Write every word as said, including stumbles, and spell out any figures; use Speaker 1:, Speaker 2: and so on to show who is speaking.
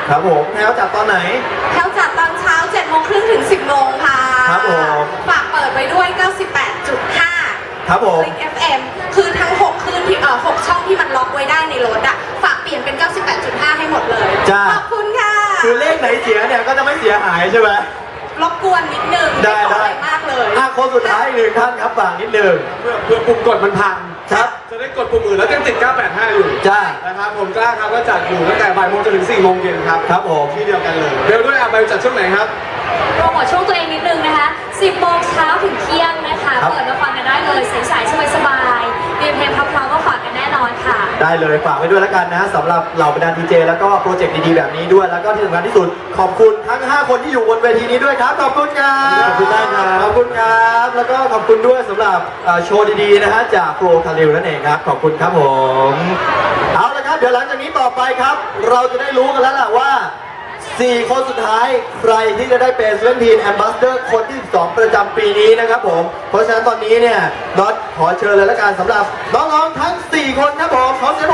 Speaker 1: ครับผมแถวจัดตอนไหน
Speaker 2: แถวจัดตอนเช้าเจ็ดโมงครึ่งถึงสิบโมงค่ะ
Speaker 1: ครับผม
Speaker 2: ฝากเปิดไว้ด้วย เก้าสิบแปดจุดห้า
Speaker 1: ครับผม
Speaker 2: Click เอฟ เอ็ม คือทั้งหกคลื่นที่เอ่อหกช่องที่มันล็อกไว้ได้ในรถอ่ะฝากเปลี่ยนเป็น เก้าสิบแปดจุดห้า ให้หมดเลย
Speaker 1: จ้า
Speaker 2: ขอบคุณค่ะ
Speaker 1: คือเลขไหนเสียเนี่ยก็จะไม่เสียหายใช่ไหม
Speaker 2: รบกวนนิดนึง
Speaker 1: ได้ได้
Speaker 2: มากเลย
Speaker 1: อ่ะคนสุดท้ายหนึ่งท่านครับฝากนิดนึง
Speaker 3: เพื่อเพื่อปุ่มกดมันพัง
Speaker 1: ครับ
Speaker 3: จะได้กดปุ่มอื่นแล้วยังติดเก้าแปดห้าอยู่
Speaker 1: จ้า
Speaker 3: นะครับผมกล้าครับก็จัดอยู่ตั้งแต่บ่ายโมงจนถึงสี่โมงเย็นครับ
Speaker 1: ครับผม
Speaker 3: ที่เดียวกันเลยเบลด้วยอ่ะเบลจัดช่วงไหนครับ
Speaker 4: โปรโมทช่วงตัวเองนิดนึงนะคะสิบโมงเช้าถึงเที่ยงนะคะเปิดมาฟังกันได้เลยใสๆสบายๆมีเพลงเพราะๆก็ฝากกันแน่นอนค่ะ
Speaker 1: ได้เลยฝากไว้ด้วยแล้วกันนะสำหรับเหล่าบรรดาดีเจแล้วก็โปรเจกต์ดีๆแบบนี้ด้วยแล้วก็ที่สำคัญที่สุดขอบคุณทั้งห้าคนที่อยู่บนเวทีนี้ด้วยครับขอบคุณครับขอบคุณมากครับขอบคุณครับแล้วก็ขอบคุณด้วยสำหรับโชว์ดีๆนะฮะจากโปรคาริลนั่นเองครับขอบคุณครับผมเอาละครับเดี๋ยวหลังจากนี้ต่อไปครับ เราจะได้รู้กันแล้วล่ะว่าสี่คนสุดท้ายใครที่จะได้เป็นเซเว่นทีนแอมบาสเดอร์คนที่สิบสองประจำปีนี้นะครับผมเพราะฉะนั้นตอนนี้เนี่ยน็อตขอเชิญเลยละกันสำหรับน้องๆทั้งสี่คนครับผมขอเสียง